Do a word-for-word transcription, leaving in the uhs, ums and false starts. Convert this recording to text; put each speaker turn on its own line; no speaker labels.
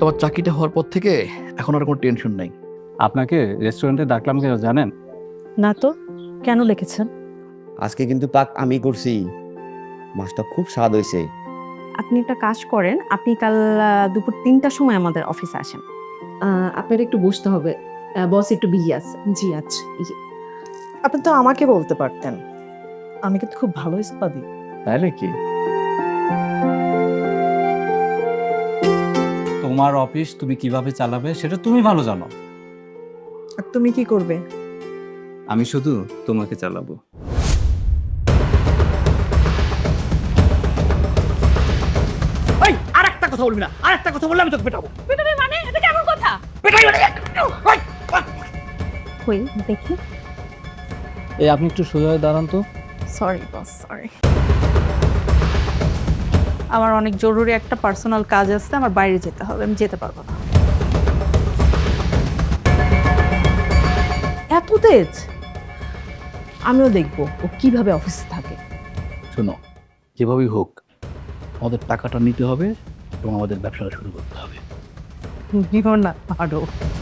তোমার চাকরিটা হওয়ার পর থেকে এখন আর কোনো টেনশন নাই।
আপনাকে রেস্টুরেন্টে ডাকলাম কেন জানেন?
না তো, কেন লিখেছেন?
আজকে কিন্তু পাক আমি করছি, মাছটা খুব স্বাদ হয়েছে।
আপনি একটা কাজ করেন, আপনি কাল আহ, দুপুর তিনটার সময় আমাদের অফিসে আসেন। আহ, আপনার একটু বসতে হবে, বস একটু বিজি আছে।
জি আচ্ছা। আপনি তো আমাকে বলতে পারতেন, আমি কিন্তু খুব ভালো স্পা দিই।
তাই নাকি? তোমার অফিস তুমি কিভাবে চালাবে সেটা তুমি ভালো জানো।
আর তুমি কি করবে?
আমি শুধু তোমাকে চালাবো।
এই আরেকটা কথা বলবি না, আরেকটা কথা বললে আমি তোকে পেটাবো।
পেটাবে মানে এটা কেমন কথা?
পেটাই মানে
কই দেখি।
এই আপনি একটু সোজা হয়ে দাঁড়ান তো।
Sorry boss, sorry. আমার অনেক জরুরি একটা পার্সোনাল কাজ আছে, আমার বাইরে যেতে হবে, আমি যেতে পারবো না।
এত তেজ? আমিও দেখবো ও কিভাবে অফিসে থাকে।
শোনো, যেভাবেই হোক আমাদের টাকাটা নিতে হবে এবং আমাদের ব্যবসাটা শুরু করতে হবে।
নিও না আরো।